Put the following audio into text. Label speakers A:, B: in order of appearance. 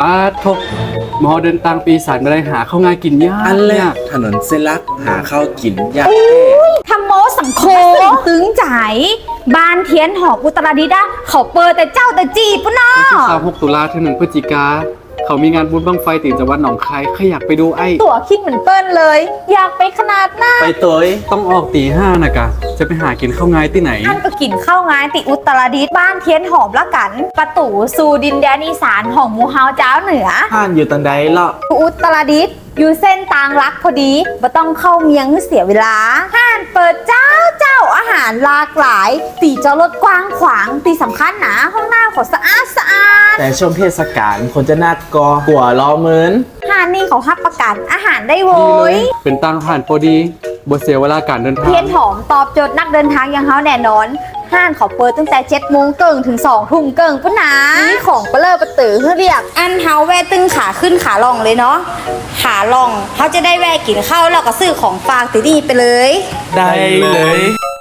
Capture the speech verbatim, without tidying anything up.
A: ป้าทกหมอเดินตางปีศาจมาได้หาเข้าง่ายกินยาก
B: อันแร
A: ยาก
B: ถนนเส้นลักหาข้าวกินยาก
C: ทำโมสังโคตึงใจบ้านเทียนหอบอุตรดิตถ์อะเขาเปิดแต่เจ้าแต่จีปุ่นน้อ
A: วันที่สามหกตุลาถึงหนึ่งพฤศจิกาเขามีงานบุญบั้งไฟตีจังหวัดหนองคายใครอยากไปดูไอ้
C: ตั๋วคิดเหมือนเปิ้ลเลย อยากไปขนาดหน้า
B: ไปตัวเอ้ย
A: ต้องออกตีห้านะกะ จะไปหากินข้าวง่ายที่ไหน
C: ท่านก็กินข้าวงานติอุตรดิตถ์บ้านเทียนหอมละกัน ประตูสู่ดินแดนอีสานของหมูเฮาเจ้าเหนือ
B: ห้านอยู่ตังใดเลาะ
C: อุตรดิตถ์อยู่เส้นตางรักพอดีบ่ต้องเข้าเมียงให้เสียเวลาห้านเปิดเจ้าเจ้าอาหารหลากหลาย ตีจอดรถกว้างขวางตีสำคัญหนาห้องน้ำขอสะอาดสะอาด
B: แต่ช่วงเทศกาลคนจะนัดกอกลัวล้อเหมือน
C: ห้านนี่เขาฮับประกันอาหารได้โว
A: ดีเลย ย เป็นตังผ่านพอดีบ่เสียเวลาการเดินทาง
C: เทียนหอมตอบโจทย์นักเดินทางอย่างเฮาแน่นอนห้านเขาเปิดตั้งแต่เจ็ดโมงเกิงถึงสองทุ่มเกิงพุ่นนะนี่ของเปลอประตือเรียกอันเฮาแวะตึงขาขึ้นขาลองเลยเนาะขาลองเขาจะได้แวะกินข้าวแล้วก็ซื้อของฝากติดนี่ไปเลย
B: ได้เลย